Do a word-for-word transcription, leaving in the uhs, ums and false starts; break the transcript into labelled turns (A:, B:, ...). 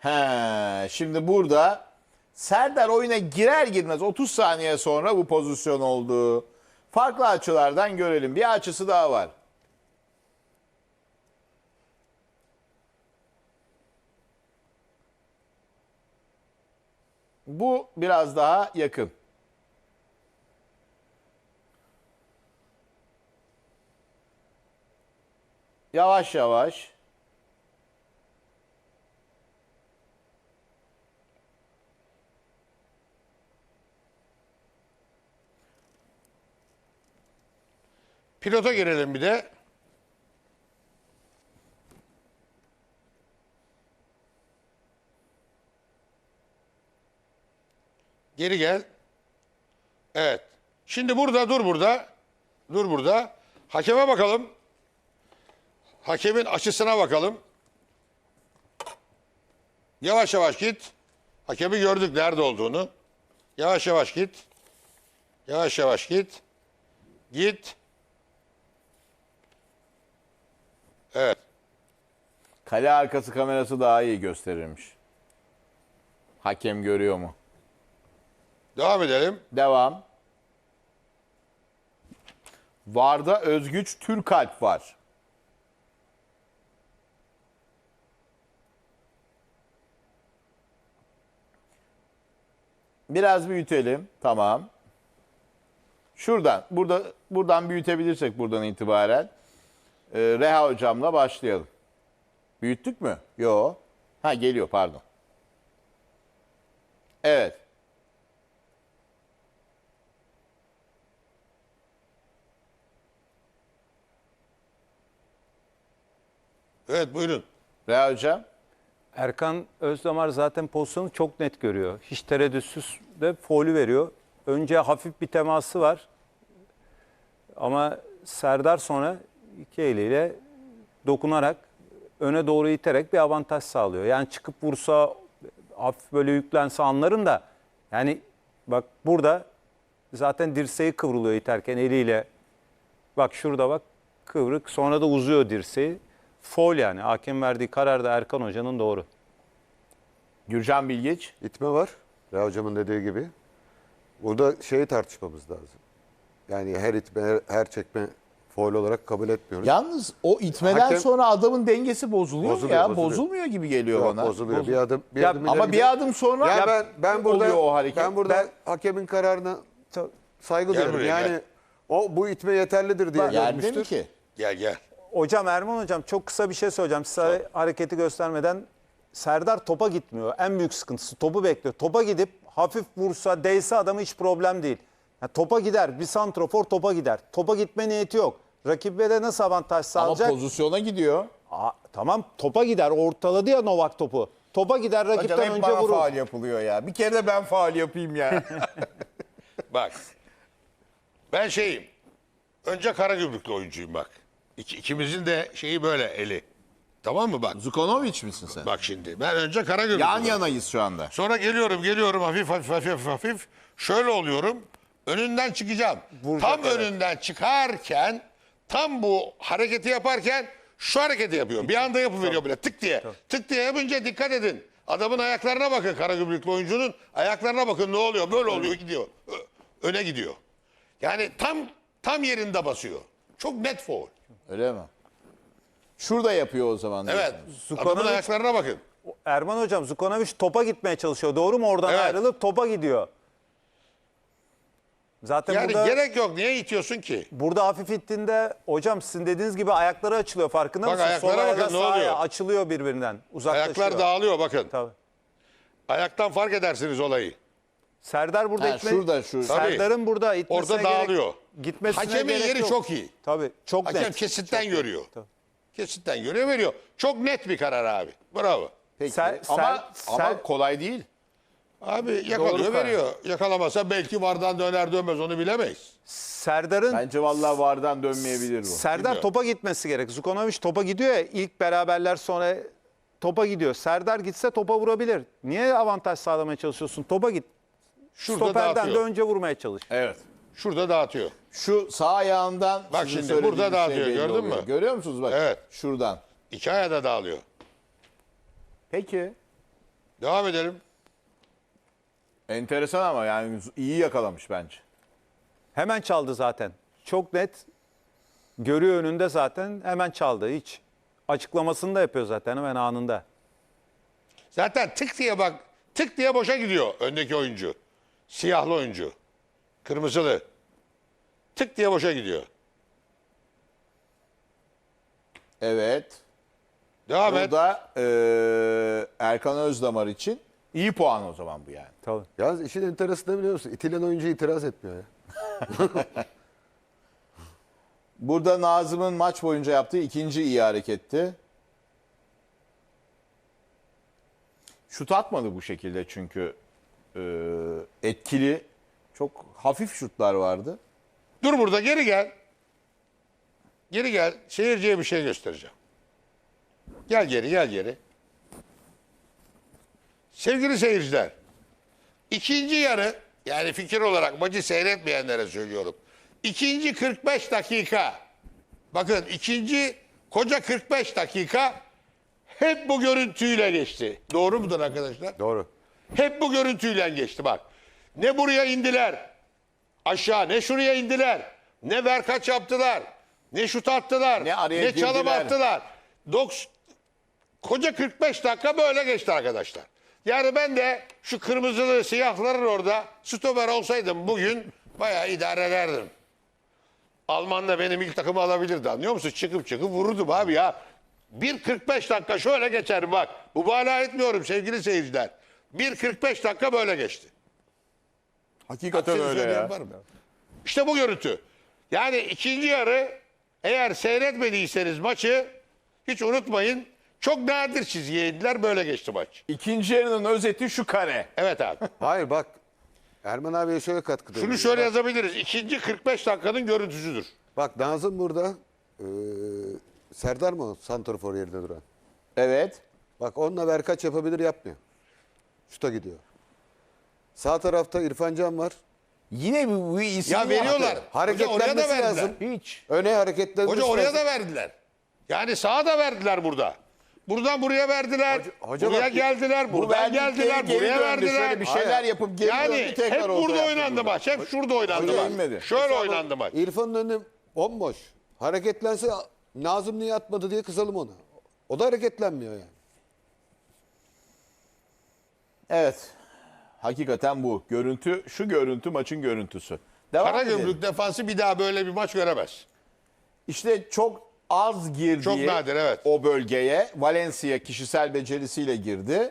A: He, şimdi burada Serdar oyuna girer girmez otuz saniye sonra bu pozisyon oldu. Farklı açılardan görelim. Bir açısı daha var. Bu biraz daha yakın. Yavaş yavaş.
B: Pilota girelim bir de. Geri gel. Evet. Şimdi burada dur burada. Dur burada. Hakeme bakalım. Hakemin açısına bakalım. Yavaş yavaş git. Hakemi gördük nerede olduğunu. Yavaş yavaş git. Yavaş yavaş git. Git. Evet.
A: Kale arkası kamerası daha iyi gösterirmiş. Hakem görüyor mu?
B: Devam edelim.
A: Devam. Varda Özgüç Türkalp var. Biraz büyütelim. Tamam. Şuradan, burada buradan büyütebilirsek buradan itibaren e, Reha hocamla başlayalım. Büyüttük mü? Yo. Ha geliyor pardon. Evet.
B: Evet buyurun.
A: Reha hocam.
C: Erkan Özdamar zaten pozisyonu çok net görüyor. Hiç tereddütsüz de faulü veriyor. Önce hafif bir teması var. Ama Serdar sonra iki eliyle dokunarak öne doğru iterek bir avantaj sağlıyor. Yani çıkıp vursa hafif böyle yüklense anlarım da yani bak burada zaten dirseği kıvrılıyor iterken eliyle. Bak şurada bak kıvrık sonra da uzuyor dirseği. Faul yani. Hakem verdiği karar da Erkan Hoca'nın doğru.
A: Gürcan Bilgiç.
D: İtme var. Reha hocamın dediği gibi. Burada şeyi tartışmamız lazım. Yani her itme, her, her çekme faul olarak kabul etmiyoruz.
A: Yalnız o itmeden
D: Hakem-
A: sonra adamın dengesi bozuluyor,
D: Bozuluyor,
A: ya.
D: bozuluyor.
A: Bozulmuyor gibi geliyor
D: Yok,
A: bana.
D: bozuluyor. Bir adım, bir
C: Ya,
D: adım
A: Ama
D: ileri
A: bir
D: gidiyor.
A: adım sonra
D: Ya
A: ya
D: ben ben burada
A: oluyor o hareket.
D: ben burada
C: Ben-
D: hakemin kararına saygı
B: Gel
D: duyuyorum.
B: buraya,
D: Yani
B: gel.
D: o bu itme yeterlidir diye
A: Yerde mi
D: görmüştür.
A: ki?
B: Gel gel.
C: Hocam Erman Hocam çok kısa bir şey söyleyeceğim. Size hareketi göstermeden Serdar topa gitmiyor. En büyük sıkıntısı topu bekliyor. Topa gidip hafif vursa, değse adamı hiç problem değil. Yani topa gider. Bir santrofor topa gider. Topa gitme niyeti yok. Rakibe de nasıl avantaj
A: Ama
C: sağlayacak?
A: pozisyona gidiyor.
C: Aa, tamam topa gider. Ortaladı ya Novak topu. Topa gider
A: Hocam
C: rakipten
A: hep
C: önce
A: bana
C: vurur.
A: faul yapılıyor ya. Bir kere de ben faul yapayım ya.
B: Bak. Ben şeyim. Önce Karagümrüklü oyuncuyum bak. İki, ikimizin de şeyi böyle eli. Tamam mı bak?
A: Zukonovic misin sen?
B: Bak şimdi. Ben önce Karagümrüklü.
A: Yan yanayız şu anda.
B: Sonra geliyorum geliyorum hafif hafif hafif hafif. Şöyle oluyorum. Önünden çıkacağım.
C: Vuracak,
B: tam
C: evet.
B: önünden çıkarken tam bu hareketi yaparken şu hareketi yapıyor. Bir anda yapıveriyor böyle tık diye. Tık diye yapınca dikkat edin. Adamın ayaklarına bakın Karagümrüklü oyuncunun. Ayaklarına bakın ne oluyor? Böyle oluyor gidiyor. Ö- Öne gidiyor. Yani tam tam yerinde basıyor. Çok net foul.
A: Öyle mi? Şurada yapıyor o zaman.
B: Evet.
A: diyorsun.
B: Adamın ayaklarına bakın.
C: Erman Hocam Zukonovic topa gitmeye çalışıyor. Doğru mu? Oradan
B: Evet.
C: ayrılıp topa gidiyor. Zaten
B: Yani
C: burada...
B: gerek yok. Niye itiyorsun ki?
C: Burada hafif ittiğinde hocam sizin dediğiniz gibi ayakları açılıyor farkında
B: Bak
C: mısınız?
B: ayaklara
C: Sol ayağı
B: bakın,
C: da
B: ne
C: sağ ayağı
B: oluyor?
C: açılıyor birbirinden. Uzaklaşıyor.
B: Ayaklar dağılıyor bakın.
C: Tabii.
B: Ayaktan fark edersiniz olayı.
C: Serdar burada
A: Ha,
C: itme...
A: şurada, şu.
C: Serdar'ın burada itmesine
B: Orada
C: gerek...
B: dağılıyor.
C: Gitmesine
B: Hakemin
C: gerek
B: yeri
C: yok.
B: çok iyi.
C: Tabii çok
B: Hakem
C: net.
B: kesitten görüyor. Kesitten görüyor veriyor. Çok net bir karar abi. Bravo.
A: Peki.
C: Ser-
A: ama
C: ser-
A: ama
C: ser-
A: kolay değil.
B: Abi yakalıyor
C: Doğru karar.
B: veriyor. Yakalamasa belki vardan döner dönmez onu bilemeyiz.
C: Serdar'ın
A: Bence vallahi vardan dönmeyebilir bu.
C: Serdar
B: Bilmiyorum.
C: topa gitmesi gerek. Zukonovic topa gidiyor ya ilk beraberler sonra topa gidiyor. Serdar gitse topa vurabilir. Niye avantaj sağlamaya çalışıyorsun? Topa git.
B: Şurada
C: Stoperden de
B: dağıtıyor.
C: önce vurmaya çalış.
A: Evet.
B: Şurada dağıtıyor.
A: Şu sağ ayağından
B: Bak
A: sizin
B: şimdi
A: söylediğiniz
B: burada dağıtıyor,
A: belli
B: gördün
A: oluyor.
B: mü?
A: Görüyor musunuz bak?
B: Evet.
A: Şuradan.
B: İki ayağı da dağılıyor.
A: Peki.
B: Devam edelim.
A: Enteresan ama yani iyi yakalamış bence.
C: Hemen çaldı zaten. Çok net. Görüyor önünde zaten. Hemen çaldı. Hiç. Açıklamasını da yapıyor zaten hemen anında.
B: Zaten tık diye bak, tık diye boşa gidiyor öndeki oyuncu. Siyahlı oyuncu. Kırmızılı. Tık diye boşa gidiyor.
A: Evet.
B: Devam et.
A: Burada eee Erkan Özdamar için iyi puan o zaman bu yani.
C: Tabii.
D: Yalnız işin enteresanı biliyor musun? İtilen oyuncu itiraz etmiyor ya.
A: Burada Nazım'ın maç boyunca yaptığı ikinci iyi hareketti. Şut atmadı bu şekilde çünkü eee, etkili, çok hafif şutlar vardı.
B: Dur burada, geri gel. Geri gel. Seyirciye bir şey göstereceğim. Gel geri, gel geri. Sevgili seyirciler, ikinci yarı, yani fikir olarak maçı seyretmeyenlere söylüyorum. İkinci kırk beş dakika, bakın ikinci koca kırk beş dakika hep bu görüntüyle geçti. Doğru mudur arkadaşlar?
D: Doğru.
B: Hep bu görüntüyle geçti bak. Ne buraya indiler, aşağı, ne şuraya indiler, ne verkaç yaptılar, ne şut attılar,
A: Ne araya
B: ne çalım
A: girdiler.
B: attılar. Doks, koca kırk beş dakika böyle geçti arkadaşlar. Yani ben de şu kırmızılı siyahların orada stoper olsaydım bugün bayağı idare ederdim. Alman da benim ilk takımı alabilirdi, anlıyor musun? Çıkıp çıkıp vururdum abi ya. Bir kırk beş dakika şöyle geçer bak. Mübalağa etmiyorum sevgili seyirciler. Bir kırk beş dakika böyle geçti.
A: Hakikaten
B: Aksini
A: öyle
B: söyleyen
A: ya.
B: var mı? İşte bu görüntü. Yani ikinci yarı, eğer seyretmediyseniz maçı hiç unutmayın. Çok nadir çizgiye indiler, böyle geçti maç.
A: İkinci yarının özeti şu kare.
B: Evet abi.
D: Hayır bak. Erman abiye şöyle katkıda
B: Şunu
D: bulunayım.
B: şöyle
D: Bak-
B: yazabiliriz. İkinci kırk beş dakikanın görüntüsüdür.
D: Bak Nazım burada. eee, Serdar mı o santrafor yerinde duran?
A: Evet.
D: Bak onunla verkaç yapabilir, yapmıyor. Şuta gidiyor. Sağ tarafta İrfan Can var.
A: Yine bu, bu isim
B: Ya veriyorlar.
A: yaptı.
B: Hoca oraya da
D: Hareketlenmesi
B: verdiler.
D: lazım.
A: Hiç.
D: Öne hareketlenmesi
B: Hoca oraya
D: lazım.
B: da verdiler. Yani sağa da verdiler burada. Buradan buraya verdiler.
D: Hoca- hoca
B: buraya
D: bak-
B: geldiler.
A: Bu
B: Buradan
A: verdikleri
B: geldiler.
A: geri
B: Buraya
A: döndü.
B: verdiler.
A: Şöyle bir şeyler
D: Hayır.
A: yapıp geri
B: Yani
A: döndü, tekrar
B: hep
A: orta
B: burada
A: yaptı
B: oynandı
A: burada.
B: maç. Hep şurada oynandı
A: Hoca
B: maç.
A: inmedi.
B: Şöyle oynandı maç.
D: İrfan'ın önü bomboş. Hareketlense Nazım niye atmadı diye kızalım ona. O da hareketlenmiyor yani.
A: Evet. Hakikaten bu. Görüntü, şu görüntü maçın görüntüsü. Devam edelim.
B: Karagümrük defansı bir daha böyle bir maç göremez.
A: İşte çok az girdiği
B: Çok nadir, evet.
A: o bölgeye Valencia kişisel becerisiyle girdi.